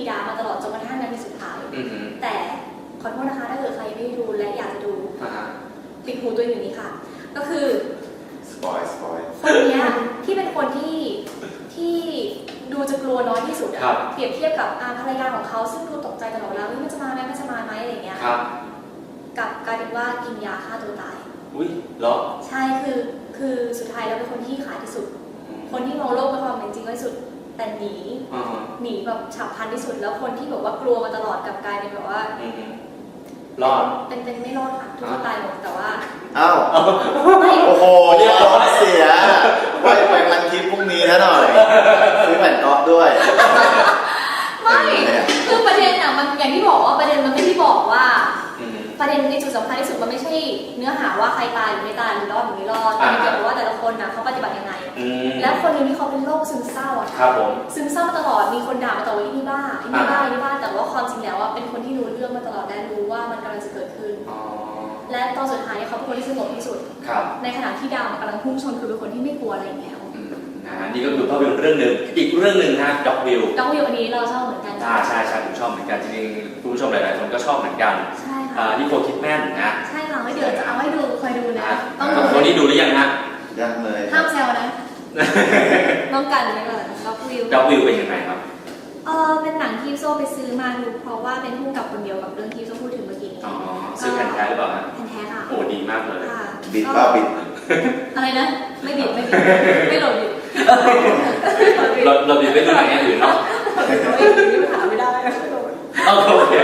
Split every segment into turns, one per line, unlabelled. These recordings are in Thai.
ยามาตลอดจนกระทั่งนาทีสุดท้ายแต่ขอโทษนะคะถ้าเกิดใครไม่ได้ดูและอยากจะดูปิดหูตัวอยู่นี้ค่ะก็คือ
สปอย
คนนี้ที่เป็นคนที่ดูจะกลัวน้อยที่สุดเปรียบเทียบกับภรรยาของเขาซึ่งดูตกใจตลอดเวลามันจะมาไหมมันจะมาไหมอะไรอย่างเงี้ยกับกลายเป็นว่ากินยาฆ่าตัวตาย
อุ้ยเหรอ
ใช่คือสุดท้ายแล้วเป็นคนที่ขายที่สุดคนที่มองโลกเป็นความเป็นจริงที่สุดแต่หนีแบบฉับพลันที่สุดแล้วคนที่แบบว่ากลัวมาตลอดกับกลายเป็นแบบว่าร
อด
เป็นไม่รอดค่ะทุกคนตายหมดแต่ว่า
อ้าวโอ้โหเรียกร้องเสียไปมันทิปพรุ่งนี้แล้วหน่อยซื้อแผ่นก๊อฟด้วย
ไม่คือประเด็นมันอย่างที่บอกว่าประเด็นมันไม่ได้บอกว่าประเด็นในจุดสำคัญที่สุดมันไม่ใช่เนื้อหาว่าใครตายหรือไม่ตายหรือรอดหรือไม่รอดแต่เกี่ยวกับว่าแต่ละคนนะเขาปฏิบัติยังไงแล้วคนนึงที่เขาเป็นโรคซึมเศร้าอะ
ครับผม
ซึมเศร้าตลอดมีคนด่ามาตลอดว่านี่บ้าแต่ว่าความจริงแล้วว่าเป็นคนที่รู้เรื่องมาตลอดและรู้ว่ามันกำลังจะเกิดขึ้นและตอนสุดท้ายเขาเป็นคนที่สงบที่สุดในขณะที่ดาวกำลังพุ่งชนคือเป็นคนที่ไม่กลัวอะไรแล้ว
นี่ก็คือภาพยนตร์เรื่องหนึ่งอีกเรื่องหนึ่งนะด็อกวิว
อันนี้เราชอบเหมือนกัน
ใช่ผมชอบเหมือนกันจริงๆผู้ชมหลายๆคนก็ชอบเหมือนกัน
ใช่ค่ะ
นิโคลคิดแมนนะ
ใช่ค่ะไม่เดี๋ยวจะเอาให้ดูคอยดูนะ
ต้องดูคนนี้ดูหรือยังฮะ
ยังเลย
ห้ามแซวนะต้องกันไว้ก่อนด็อก
วิวเป็นยังไงครับ
เป็นหนังที่โซ่ไปซื้อมาดูเพราะว่าเป็นผู้กำกับคนเดียวกับเรื่องที่โซ่พูดถึงเมื่อกี้นี้
ซื้อแผ่นแท้หรือเปล่า
แผ่นแท้ค่ะ
โอ้ดีมากเลย
บิดบิด
อะไรนะไม่บิดไม่โหลดบิด
เราบิดไม่ดูหนังอย่างอื่นเนาะ
หาไม่ได้
โอเค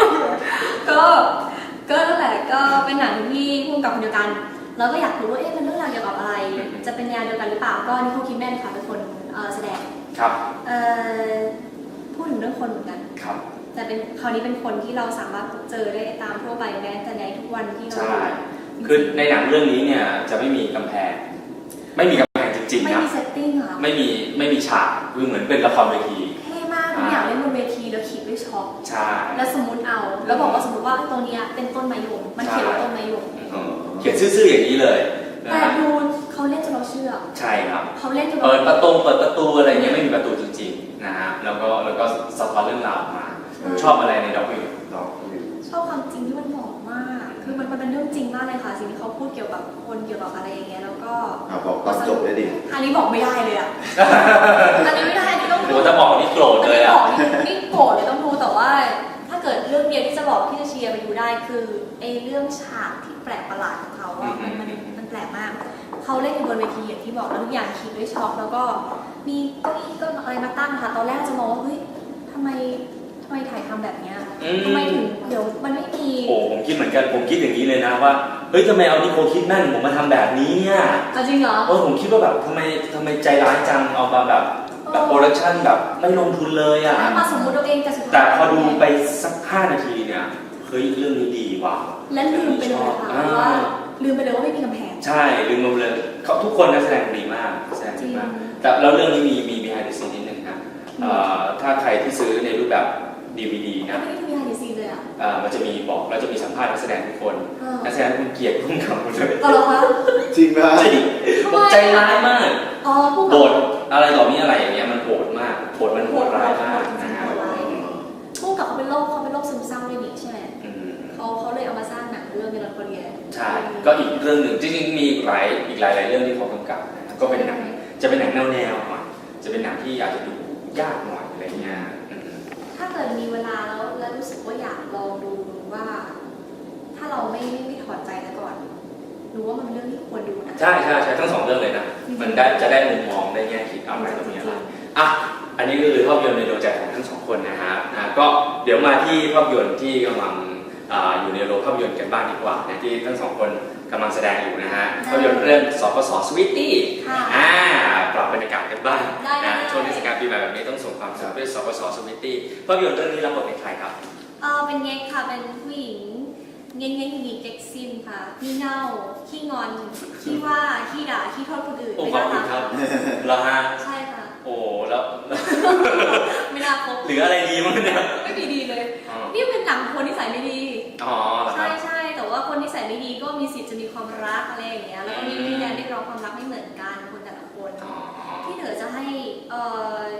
ก็นั่นแหละก็เป็นหนังที่ผู้กำกับคนเดียวกันแล้วก็อยากรู้ว่าเป็นเรื่องราวเกี่ยวกับอะไรจะเป็นแนวเดียวกันหรือเปล่าก็นิโคลคิดแมนค่ะเป็นคนแสดง
ครับ
พูดถึงเรื่องคนเหมือนกัน
ครับ
แต่เป็นคราวนี้เป็นคนที่เราสามารถเจอได้ตามทั่วไปแม้แต่ในทุกวันที่เรา
คือในหนังเรื่องนี้เนี่ยจะไม่มีกำแพงไม่มีกำแพงจริงๆนะ
ไม่มีเซตติ้งค่ะ
ไม่มีฉากคือเหมือนเป็นละครเวที
เท่มากทุกอย่างเล่นบนเวทีแล้วขีดด้วยช็อค
ใช่
แล้วสมมติแล้วบอกว่าสมมติว่าตรงนี้เป็นต้นมะยมมันเขียนว่าต้นมะยม
เขียนซื่อๆอย่างนี้เลย
แต่ดูเขาเล่นจนเราเชื่อ
ใช่ครับ
เขาเล่นจน
เปิดประตูอะไรเงี้ยไม่มีประตูจริงๆนะฮะแล้วก็สะท้อนเรื่องราวมาชอบอะไรในด็อกวิว
ชอบความจริงที่มันบอกมากคือมันเป็นเรื่องจริงมากเลยค่ะสิ่งที่เขาพูดเกี่ยวกับคนเกี่ยวกับอะไรอย่างเงี้ยแล้วก็
บอกตอนจบได้ดิ
อันนี้บอกไม่ได้เลยอ่ะอันนี้ไม่ได้อันนี้ต้อง
ดูถ้าบอกนี่โกรธเลยอ่ะ
นี่โกรธเลยต้องดูแต่ว่าถ้าเกิดเรื่องเดียวที่จะบอกที่จะเชียร์ไปดูได้คือเรื่องฉากที่แปลกประหลาดของเขาอ่ะมันแปลกมากเขาเล่นอยู่บนเวทีอย่างที่บอกแล้วทุกอย่างคิดด้วยช็อคแล้วก็มีเก้าอี้ก็อะไรมาตั้งค่ะตอนแรกจะมองว่าเฮ้ยทำไมถ่ายทำแบบเนี้ยทำไมถึงเดี๋ยวมันไม่มี
ผมคิดเหมือนกันผมคิดอย่างนี้เลยนะว่าเฮ้ยทำไมเอานิโคลคิดแมนผมมาทำแบบนี้เนี่ย
จริงเหรอ
ผมคิดว่าแบบทำไมใจร้ายจังเอามาแบบโปรดักชั่นแบบไม่ลงทุนเลยอ่ะ
มาสมมติตัวเอง
แต่พอดูไปสัก5 นาทีเนี่ยเฮ้ยเรื่องนี้ดีว่ะ
และลืมไปเลยค่ะว่าลืมไปเลยว่าไม่มีกำแพง
ใช่ลืมไปเลยเขาทุกคนนักแสดงดีมากแต่แล้วเรื่องนี้มี behind the scene นิดนึงนะถ้าใครที่ซื้อในรูปแบบ DVD นะ
ไม่ได้มี behind the scene เลยอ่ะ
มันจะมีบอกแล้วจะมีสัมภาษณ์นักแสดงทุกคนนักแสดงคุณเกียรติพุ่งคำหมดเลย
เหรอคะ
จริงนะ
ใจร้ายมากโหดอะไรต่อมีอะไรอย่างเงี้ยมันโหดมากมันโหดร้ายมากนะครับ
พุ่งกับเขาเป็นโรคซึมเศร้าด้วยนี่ใช่ไหมเขาเลยเอามาสร้างหนังเรื่องเมลันโคเลีย
ใช่ก็อีกเรื่องหนึ่งจริงๆมีอีกหลายเรื่องที่เขากำกับนะก็เป็นหนังจะเป็นหนังแนวหน่อยจะเป็นหนังที่อาจจะดูยากหน่อยอะไรเงี้ย
ถ้าเกิดมีเวลาแล้วรู้สึกว่าอยากลองดูว่าถ้าเราไม่ถอดใจแล้วก่อนรู้ว่ามันเป็นเรื่องที่ควรดูนะ
ใช่ทั้ง2เรื่องเลยนะมันจะได้มุมมองได้แง่คิดอะไรตรงนี้อะไรอันนี้ก็คือภาพยนตร์ในดวงใจของทั้ง2คนนะฮะก็เดี๋ยวมาที่ภาพยนตร์ที่กำลังอยู่ในโรงภาพยนตร์กันบ้างดีกว่านะที่ทั้ง2คนกำลังแสดงอยู่นะฮะภาพยนตร์เรื่องสปส.สวีทตี้ปรับบรรยากาศกันบ้างนะช่วงเทศกาลปีใหม่แบบนี้ต้องส่งความสุขด้วยสปส.สวีทตี้ภาพยนตร์เรื่องนี้รับบทเป็นใครครับ
เป็นเง็กค่ะเป็นผู้หญิงเง็กมีเก็กซิมค่ะขี้เง่าขี้งอนขี้ว่าขี้ด่าขี้โทษคนอื่น
ไม่น่ารักครับแล้วฮะ
ใช่ค่ะ
แล้ว
ไม่น่าพบ
หรืออะไรดีมั้งเนี่ย
ไม่มีดีเลยนี่เป็นหนังคนนิสัยไม่ดีใช่แต่ว่าคนนิสัยไม่ดีก็มีสิทธิ์จะมีความรักอะไรอย่างเงี้ยแล้วก็มีวิญญาณเรียกร้องความรักไม่เหมือนกันคนแต่ละคนที่เหนือจะให้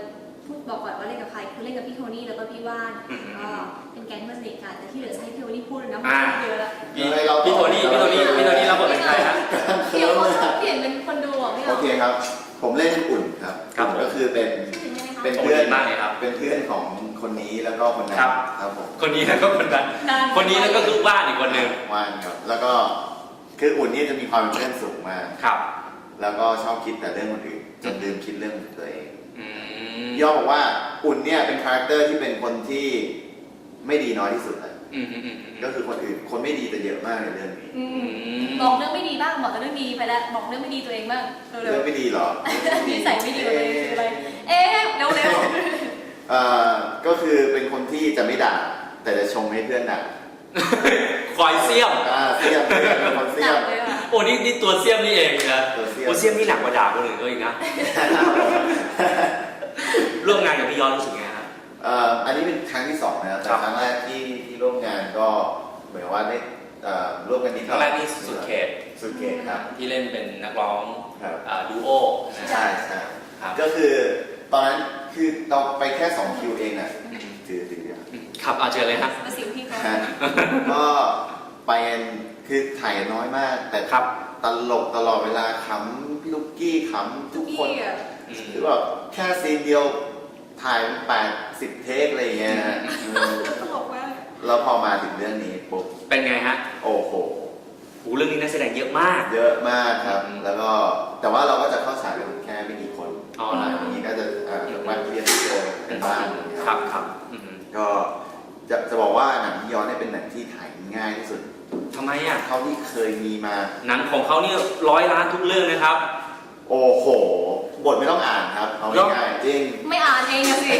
พูดบอกก่อนว่าเล่นกับใครคือเล่นกับพี่โทนี่แล้วก็พี่ว่านก็เป็นแก๊งเพื่อนสนิทกันแต่ที่เหลือจะให้พี่โทนี่พูดเลยนะเยอะแล้ว
พี่โทนี่รับบทเป็นใครครับ
เดี๋ยวเขาชอบเปลี่ยนเป็นคนดูอ่ะพี่
โอเคครับ ผมเล่นอุ่นครับ
ครับผม
ก็คือเป็น
เป็น
เพื่อน
มากเลยครับ
เป็นเพื่อนของคนนี้แล้วก็คนนั้น
ครับ
ครับผม
คนนี้แล้วก็คนนั้นคนนี้แล้วก็คือว่านอีกคนหนึ่ง
ว่านครับแล้วก็คืออุ่นนี่จะมีความเป็นเพื่อนสูงมาก
ครับ
แล้วก็ชอบคิดแต่เรื่องคนอื่นจนลืมคิดเรื่องตัวเอง
อืม
ย่อบอกว่าอุ่นเนี่ยเป็นคาแรคเตอร์ที่เป็นคนที่ไม่ดีน้อยที่สุดเลย
อืม
ก็คือคนอื่นคนไม่ดีแต่เยอะมากในเรื่องนี้
บอกเรื่องไม่ดีบ้างบอกแต่เรื่องดีไปแล้วบอกเรื่องไม่ดีตัวเองบ้างเร็ว
เรื่องไม่ดีเหรอ
ๆนิสัยไม่ดีตัวเองคืออะไรเอ๊ะเร็ว
ก็คือเป็นคนที่จะไม่ด่าแต่จะชมให้เพื่อนด่า
คอยเสี้ยม
เสียมเป็นคน
ๆ
เสี
ห
ย
นั
ม
กเลยอ่ะ
โอ้นี่ตัวเสี้ยมนี่เองนะ
ตัวเสี้ยม
โอ้เสี้ยมนี่หนักกว่าด่าคนอื่นก็อีกนะร่วมงานกับพี่ย้อนรู้สึกไงครับ
อันนี้เป็นครั้งที่สองนะครับแต่
ครับ
ครั้งแรกที่ร่วมงานก็เหมือนว่าได้ร่วมกันนิดห
ค
น่
รั้
อง ย
แรกนี่สุดเขต
สุดเขตครับ
ที่เล่นเป็นนักร้อง
ครับ
ดูโอนะ
ใช่ใช่
ครับ
ก็คือตอนนั้นคือเราไปแค่2คิวเองอ่ะถือเดียว
ครับเอาเชิญเลยครับ
มาสิวพี่เขา
ก็ไปกันคือถ่ายกันน้อยมาก แต่
ครับ
ตลกตลอดเวลาขำพี่ลูกกี้ขำทุกคน
พี่อ่ะ
คือแบบแค่ซีนเดียวถ่าย80 เทคอะไรอย่างเงี้ยนะ
ตลกมาก
แล้วพอมาถึงเรื่องนี้ปุ๊บ
เป็นไงฮะ
โอ้โห
โหเรื่องนี้นักแสดงเยอะมาก
เยอะมากครับ
อืม
แล้วก็แต่ว่าเราก็จะเข้าฉากกันแค่ไม่กี่คน
อ๋อ
ห
เหร
ลั
อ
งจากนี้ก็จะวันเรียนเจอกันบ้าง
ครับอืม
ก็จะบอกว่าหนังย้อนเนี่ยเป็นหนังที่ถ่ายง่ายที่สุด
ทำไมอ่ะ
เท่าที่เคยมีมา
หนังของเขานี่100 ล้านทุกเรื่องนะครับ
โอ้โห บทไม่ต้องอ่านครับเอาง่ายๆจริง
ไม่อ่านเองอะสิ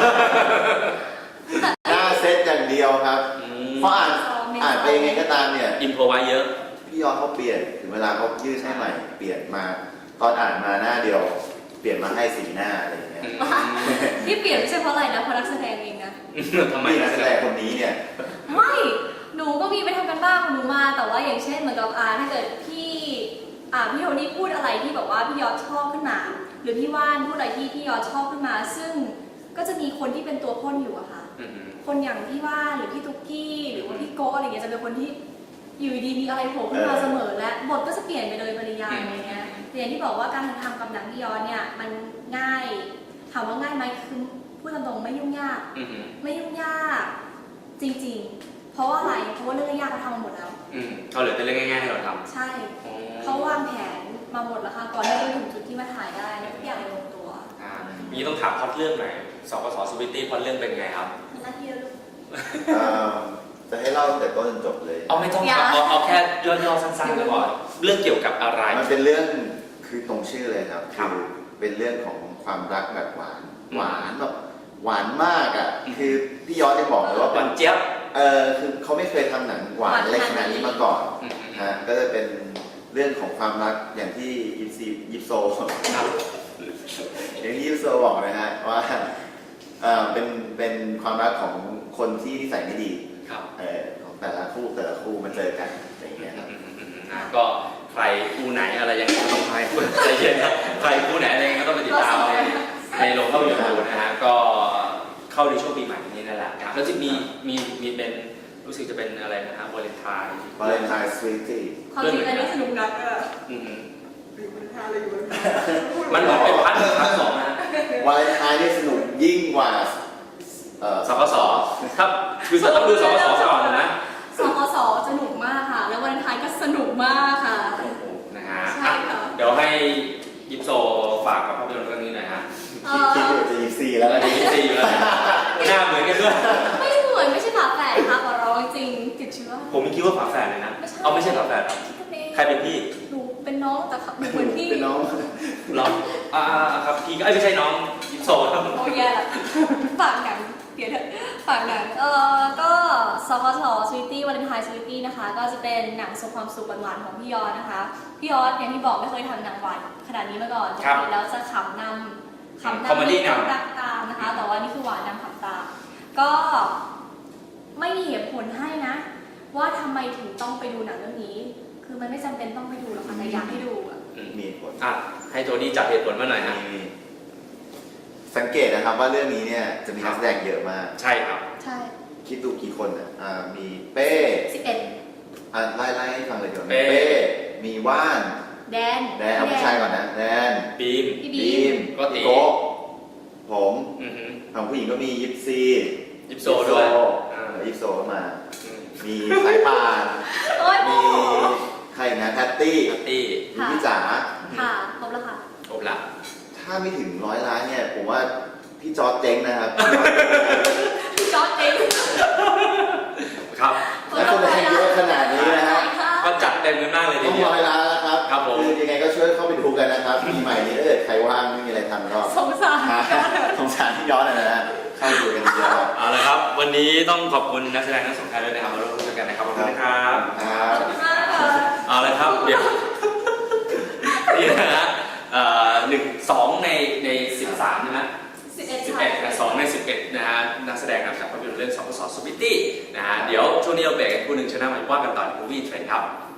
หน้าเซตอย่างเดียวครับ เพราะอ่านไปยังไงก็ตามเนี่ย
อินโพรไว้เยอะ
พี่ยอนเขาเปลี่ยนถึงเวลาเขายืดให้ใหม่เปลี่ยนมา ตอนอ่านมาหน้าเดียว เปลี่ยนมาให้สีหน้าอะไรอย่างเงี้ย
ที่เปลี่ยนไม่ใช่เพราะอะไรนะเพราะนักแสดงเองนะ
ทำไม
นักแสดงคนนี้เนี่ย
ไม่หนูก็มีไปทำกันบ้านของหนูมา แต่ว่าอย่างเช่นเหมือนกับถ้าเกิดพี่โทนี่พูดอะไรที่แบบว่าพี่ยอดชอบขึ้นมา หรือพี่ว่านพูดอะไรที่พี่ยอดชอบขึ้นมา ซึ่งก็จะมีคนที่เป็นตัวพ่นอยู่อะค่ะ คนอย่างพี่ว่านหรือพี่ตุ๊กกี้หรือว่าพี่โก้อะไรเงี้ยจะเป็นคนที่อยู่ดีๆมีอะไรโผล่ขึ้นมาเสมอและบทก็จะเปลี่ยนไปโดยปริยายอะไรเงี้ยแต่อย่างที่บอกว่าการทำกับหนังพี่ยอดเนี่ยมันง่ายถามว่าง่ายไหมคือพูดตรงๆไม่ยุ่งยาก ไม่ยุ่งยากจริงๆ เพราะว่าอะไร เพราะว่าเรื่องยากเขาทำมาหมดแล้ว
เขาเหลือแต่เรื่องง่ายๆให้เราท
ใช่
ำ
เขาวางแผนมาหมดแล้วค่ะก่อนที่จะถึงจุดที่มาถ่ายได้ทุกอย่างลงตัว
มีต้องถามพล็อตเรื่องหน่อยสกส.สวิตตี้พล็อตเรื่องเป็นไงครับ
มีหน้าที่แล้วลูก
จะให้เล่าแต่ต้นจนจบเลย
เอาไม่ต้องครับเอาแค่ย่อๆสั้นๆก็พอเรื่องเกี่ยวกับอะไร
มันเป็นเรื่องคือตรงชื่อเลยครับ
ครับ
คือเป็นเรื่องของความรักแบบหวานหวานแบบหวานมากอ่ะคือพี่ยอดได้บอกเลยว่า
ห
เป็
วาน นเจี๊ยบ
คือเขาไม่เคยทำหนังหวานอะไรขนาดนี้มาก่อนฮะก็จะเป็นเรื่องของความรักอย่างที่ยิปโซอย่างที่ยิปโซบอกนะฮะว่าเป็นความรักของคนที่นิสัยไม่ดี
ครับ
ของแต่ละคู่มาเจอกันอย่างเงี้ยครับ
ก็ใครคู่ไหนอะไรยังไงก็ต้องให้ใจเย็นครับใครคู่ไหนอะไรยังไงก็ต้องไปติดตามในโรงภาพยนตร์ดูนะฮะก็เข้าในช่วงปีใหม่นี้นั่นแหละครับแล้วจะมีเป็นรู้สึกจะเป็นอะไรนะฮะวาเลนไทน์
วาเลนไทน์สวีตี้
ความจริงอันนี้สนุกนักอะ
มันเหมือนเป็นพันสองนะ
วาเลนไทน์นี่สนุกยิ่งกว่า
สกสครับคือจะต้องดูสกสก่อนนะ
สกสสนุกมากค่ะ แล้ววันท้ายก็สนุกมากค่ะ
โอ้โหนะฮะ
ใช่ค่ะ
เดี๋ยวให้ยิปโซฝากกับภาพยนตร์เรื่องนี้หน่อยฮะ
คิดอยู่จะ24แล้ว
แล้ว
นะ
ดีซีอยู่แล้วหน้าเหมือนกันด้วย
ไม่เหมือนไม่ใช่ฝาแฝดค่ะขอร้องจริงติดเชื้อ
ผมคิดว่าฝาแฝดเลยนะ เอาไม่ใช่ฝาแฝด
คิดกันเอง
ใครเป็นพี่
หนูเป็นน้องแต่หนูเหมือนพี่
เป็นน้อง
เหรอครับพี่ก็ไม่ใช่น้องยิปโซครับ
โอ้ยแย่ละฝากหนังเดี๋ยวเถอะฝากหนังก็สกสสวีตี้วาเลนไทน์สวีตี้นะคะ ก็จะเป็นหนังส่งความสุขหวานๆของพี่ยอดนะคะ พี่ยอดอย่างที่บอกไม่เคยทำหนังหวานขนาดนี้มาก่อนปกติแล้วจะขำนำ
คอมเมดี้นำ
รักตามนะคะ แต่ว่านี่คือหวานนำขำตามก็ไม่มีเหตุผลให้นะ ว่าทำไมถึงต้องไปดูหนังเรื่องนี้ คือมันไม่จำเป็นต้องไปดูหรอกค่ะแต่อยากให้ดูอะ
มีผล
ให้โทนี่จับเหตุผลมาหน่อยฮะ
มีสังเกตนะครับว่าเรื่องนี้เนี่ยจะมีนักแสดงเยอะมาก
ใช่ครับ
ใช่
คิดดูกี่คนมีเป้
11
ไล่ให้ฟังเลยเดี๋ยว
เป้
มีว่าน
แดน
เอาผู้ชายก่อนนะแดน
บีม
พี่
บี
บี
ม
ก็ตี
โก๊ะผม
อือฮึ
ของผู้หญิงก็มียิปซี
ยิปโซด้วยอ่า
ยิปโซก็มา
อืม
มีสายป่าน
โอ้ยโม
มี
โห
ใครอีกนะแพตตี้
ปาร์ตี้
มีพี่จ๋า
ค่ะครบแล้วค่ะ
ครบละ
ถ้าไม่ถึง100 ล้านเนี่ยผมว่าพี่จอร์จเจ๊งนะครับ
จอร์จเอง
ครับ
และคนแสดงเยอะขนาดนี้นะฮะ
ก็จัดเต็มกันมากเลยที
ต้อง
เดียว
100 ล้านแล้วครับ
ครับผม
คือยังไงก็ช่วยเข้าไปดูกันนะครับปีใหม่นี้ถ้าเกิดใครว่างไม่มีอะไรทำก็
สงสาร
สงสารที่ย้อนนะฮะเข้าไปดูกันเยอะๆ
เอาละครับ วันนี้ต้องขอบคุณนักแสดงทั้งสองท่านด้วยนะครับมาร่วมพูดกันนะครับขอบคุณนะครับ
ครับ
ขอบคุณมากค่ะ
เอาละครับเดี๋ยวนี่นะฮะ2 ใน 13ใช่ไหม 11 2 ใน 11นะฮะนักแสดงนะครับภาพยนตร์เรื่องสองสอสวิตตี้นะฮะเดี๋ยวช่วงนี้เราเบรกกันคู่หนึ่งช่วงหน้ามาว่ากันต่อใน Movie Trend ครับ